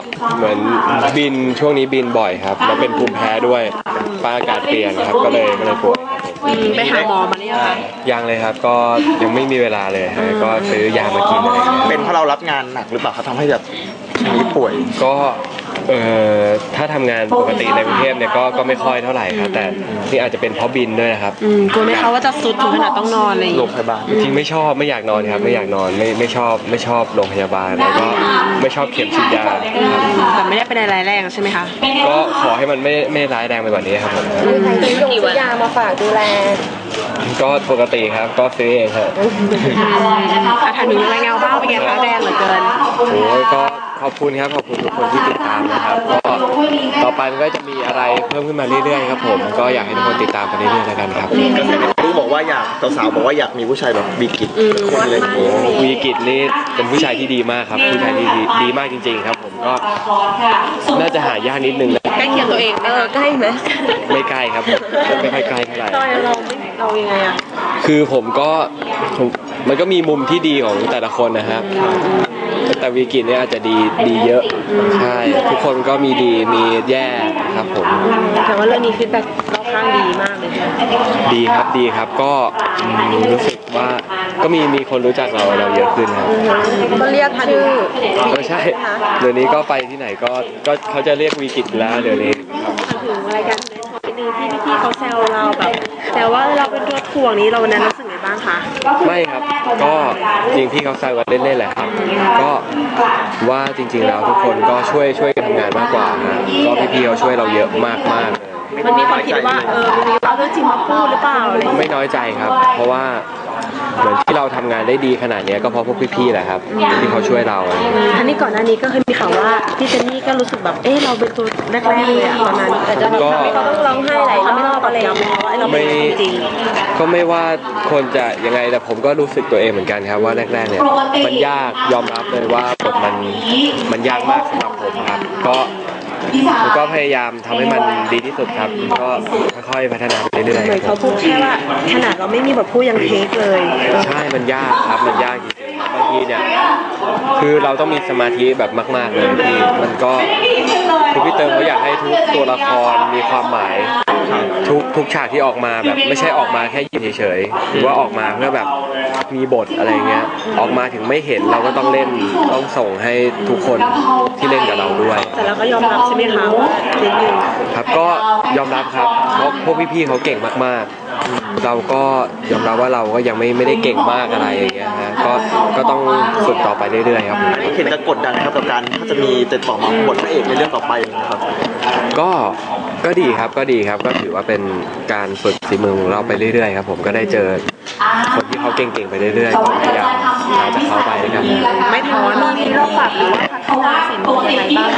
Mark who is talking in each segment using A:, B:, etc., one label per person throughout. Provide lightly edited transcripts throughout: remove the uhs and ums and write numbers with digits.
A: เหมือนบินช่วงนี้บินบ่อยครับแล้วเป็นภูมิแพ้ด้วยฟ้าอากาศเปลี่ยนครับก็เลยป่วย
B: ไปหาหมอมาหรือยังคะ
A: ยังเลยครับก็ยังไม่มีเวลาเลยก็ซื้อยามากินอะไรอย่างเงี้ย
C: เป็นเพราะเรารับงานหนักหรือเปล่าเขาทำให้แบบนี้ป่วย
A: ก็ถ้าทำงานปกติในกรุงเทพเนี่ยก็ไม่ค่อยเท่าไหร่ครับแต่นี่อาจจะเป็นเพราะบินด้วยนะครับ
B: กลัวไหมคะว่าจะสุดถึงขนาดต้องนอนเลย
C: โรงพยาบาล
A: จริงไม่ชอบไม่อยากนอนครับไม่อยากนอนไม่ชอบโรงพยาบาลแล้วก็ไม่ชอบเข็มฉีดยา
B: แต่ไม่ได้เป็นอะไรแรงใช่ไหมคะ
A: ก็ขอให้มันไม่ร้ายแรงไปกว่านี้ครับผม
D: ใครซื้อยามาฝากดูแล
A: ก็ปกติครับก็ซื้อเองครับ
B: ถามถึงรายงานบ้างเป็นไงคะแรงเหลือเกิน
A: โอ้ยก็ขอบคุณครับขอบคุณทุกคนที่ติดตามนะครับก็ต่อไปมันก็จะมีอะไรเพิ่มขึ้นมาเรื่อยๆครับผมก็อยากให้ทุกคนติดตามกันเรื่อยๆแล้วกันครับ
C: กระแสในรู้บอกว่าอยากสาวๆบอกว่าอยากมีผู้ชายแบบวีกิจคนเลย
A: โอ้วีกิจนี่เป็นผู้ชายที่ดีมากครับผู้ชายที่ดีมากจริงๆครับผมก็น่าจะหายากนิดนึงนะ
B: ใกล้เคียงตัวเอง
D: ใกล้ไหม
A: ไม่ใกล้ครับไม่ค่อยใกล้เท่าไหร่
B: เรายังไงอะ
A: คือผมมันก็มีมุมที่ดีของแต่ละคนนะครับแต่วีกิจเนี่ยอาจจะดีเยอะใช่ทุกคนก็มีดีมีแย่ครับผม
B: แต่ว่าเรื่องนี้ฟีดแบ็กรอบข้างดีมากเลย
A: ดีครับก็รู้สึกว่าก็มีคนรู้จักเราเยอะขึ้นครับ
D: ก็เรียกชื่อ
A: ก็ใช่เดี๋ยวนี้ก็ไปที่ไหนก็เขาจะเรียกวีกิจแล้วเดี๋ยวนี้
B: ถึงรายการที่พี่เขาแซวเราแบบแต่ว่าเราเป็นตัวถ่วงนี้เราวันนั้นรู้สึกไงบ้างคะ
A: ไม่ครับก็จริงพี่เขาแซวกันเล่นๆแหละครับก็ว่าจริงๆแล้วทุกคนก็ช่วยกันทำงานมากกว่านะก็พี่เขาช่วยเราเยอะมาก
B: มันมีความคิดว่ามีเอาเรื่องจริงมาพูดหรือเปล่า
A: ไม่น้อยใจครับเพราะว่าเหมือนที่เราทำงานได้ดีขนาดนี้ก็เพราะพวกพี่ๆแหละครับที่เขาช่วยเรา
B: อันนี้ก่อนหน้านี้ก็เคยมีข่าวว่าพี่เจนนี่ก็รู้สึกแบบเราเป็นตัวแรกๆเลยตอนนั้นแต่จะ
D: เขาต้องร้องไห้หลายรอบอะไร
B: เราไม่จริง
A: ก็ไม่ว่าคนจะยังไงแต่ผมก็รู้สึกตัวเองเหมือนกันครับว่าแรกๆเนี่ยมันยากยอมรับเลยว่าบทมันยากมากสำหรับผมครับผมก็พยายามทำให้มันดีที่สุดครับก็ค่อยๆพัฒนาไปเรื่อย
B: ๆเขาพูดแค่ว่าขนาดเราไม่มีแบบพูดยังเทคเลย
A: ใช่มันยากครับมันยากจริงๆบางทีเนี่ยคือเราต้องมีสมาธิแบบมากๆเลยที่มันก็คือพี่เติมเขาอยากให้ทุกตัวละครมีความหมายทุกฉากที่ออกมาแบบไม่ใช่ออกมาแค่ยืนเฉยๆหรือว่าออกมาเพื่อแบบมีบทอะไรเงี้ยออกมาถึงไม่เห็นเราก็ต้องเล่นต้องส่งให้ทุกคนที่เล่นกับเราด้วย
B: แต่เราก็ยอมรับใช่ไหมคะนิดนึง
A: ครับก็ยอมรับครับเพราะพวกพี่ๆเขาเก่งมากๆเราก็ยอมรับว่าเราก็ยังไม่ได้เก่งมากอะไรอย่างเงี้ยฮะก็ต้องฝึกต่อไปเรื่อยๆครับ
C: เห็นจะกดดันครับกับการถ้าจะมีติดต่อมาบทพระเอกในเรื่องต่อไปนะครับ
A: ก็ดีครับก็ถือว่าเป็นการฝึกฝีมือของเราไปเรื่อยๆครับผมก็ได้เจอคนที่เขาเก่งๆไปเรื่อยๆก็พยายามหาจากเขาไปด้วยกัน
B: ไม่ท้อมีรอบปรับหรือว่าพัฒนาสิ่งยังไงบ้าง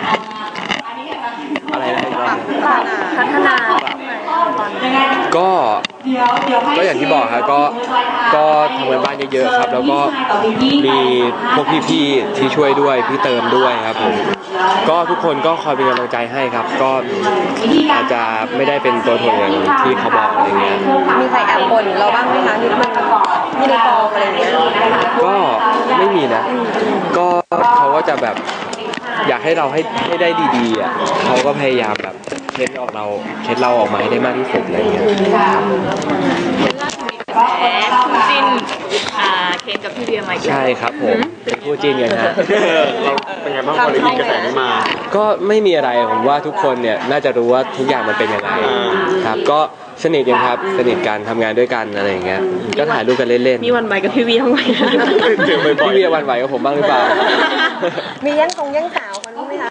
A: อะไรนะครับ
B: พัฒนา
A: ก็อย่างที่บอกครับก็ทำงานบ้านเยอะๆครับแล้วก็มีพวกพี่ๆที่ช่วยด้วยพี่เติมด้วยครับผมก็ทุกคนก็คอยเป็นกำลังใจให้ครับก็อาจจะไม่ได้เป็นตัวถ่วงอย่างที่เขาบอกอะไรเงี้ย
D: มีใครแอบบ่นเราบ้างไหมคะนิดนึงมีในกองอะไรเงี้ย
A: ก็ไม่มีนะก็เขาก็จะแบบอยากให้เราให้ได้ดีๆอ่ะเขาก็พยายามแบบเค้นเราออกมาให้ได้มากที่สุดอะไรเงี้ย
B: คู่จิ้นเคนกับพี่เบียร์ใหม่
A: ใช่ครับผมเป็นคู่จิ้นกันฮะ
C: เราเป็นไงบ้างพอได้ยินกระแสนี้มา
A: ก็ไม่มีอะไรผมว่าทุกคนเนี่ยน่าจะรู้ว่าทุกอย่างมันเป็นยังไงครับก็สนิทกันครับสนิทกันทำงานด้วยกันอะไรอย่างเงี้ยก็ถ่ายรูปกันเล่น
B: ๆมีวันไหวกับพี่เบียร์ทั้งวัน
A: พี่เบียร์วันไหวกับผมบ้างหรือเปล่า
D: มีแย่งสาวกันไหมคะ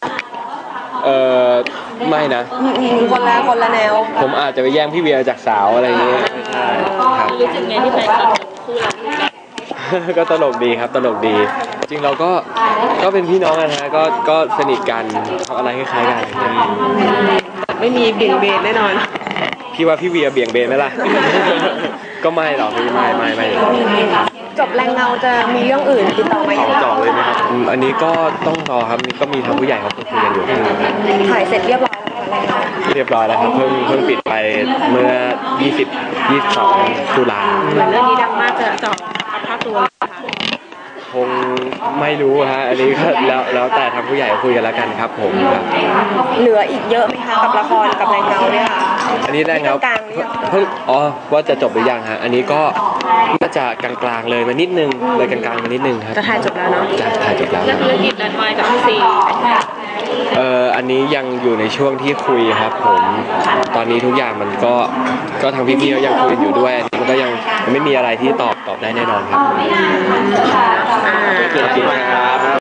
A: ไม่นะ
D: คนละแนว
A: ผมอาจจะไปแย่งพี่เบียร์จากสาวอะไรอย่างเงี้ยใช่ครับ
B: รู้สึกไงที่แฟนคลับคู่เรา
A: ก็ตลกดีครับตลกดีจริงเราก็เป็นพี่น้องกันฮะก็สนิทกันอะไรคล้ายๆกัน
B: ไม่มีเบี่ยงเบนแน่นอน
A: พี่ว่าพี่เบียร์เบี่ยงเบนไหมล่ะก็ไม่หรอกไม่
D: จบแรงเงาจะมีเรื่องอื่นติดต่อไหม
A: ต่อเลยไหมครับอันนี้ก็ต้องรอครับก็มีทางผู้ใหญ่เขาคุยกันอยู่
D: ถ่ายเสร็จเรียบร้อย
A: แล้วครับเพิ่งปิดไปเมื่อ22 ตุลา
B: เหมือนเรื่องนี้ดังมากจะเจาะภาพตัว
A: โหคงไม่รู้ฮะอันนี้ก็แล้วแต่ทางผู้ใหญ่คุยกันแล้วกันครับผมครับ
D: เหลืออีกเยอะไหมคะกับละครกับแรงเงาเนี่ยค่ะ
A: อันนี้แรกครับ
D: กลางๆหรือยัง
A: เพิ่งว่าจะจบหรือยังฮะอันนี้ก็น่าจะกลางๆเลยมานิดนึงเลยกลางๆมานิดนึงครับ
B: จะถ่ายจบแล้วเนาะ
A: จะถ่ายจบแล้ว
B: แล้วธุรกิจนันไม้กับพี่ซี
A: อันนี้ยังอยู่ในช่วงที่คุยครับผมตอนนี้ทุกอย่างมันก็ทางพี่ๆเขายังคุยกันอยู่ด้วยอันนี้มันก็ยังไม่มีอะไรที่ตอบได้แน่นอนครับ
B: อ่า
A: โอเคครับ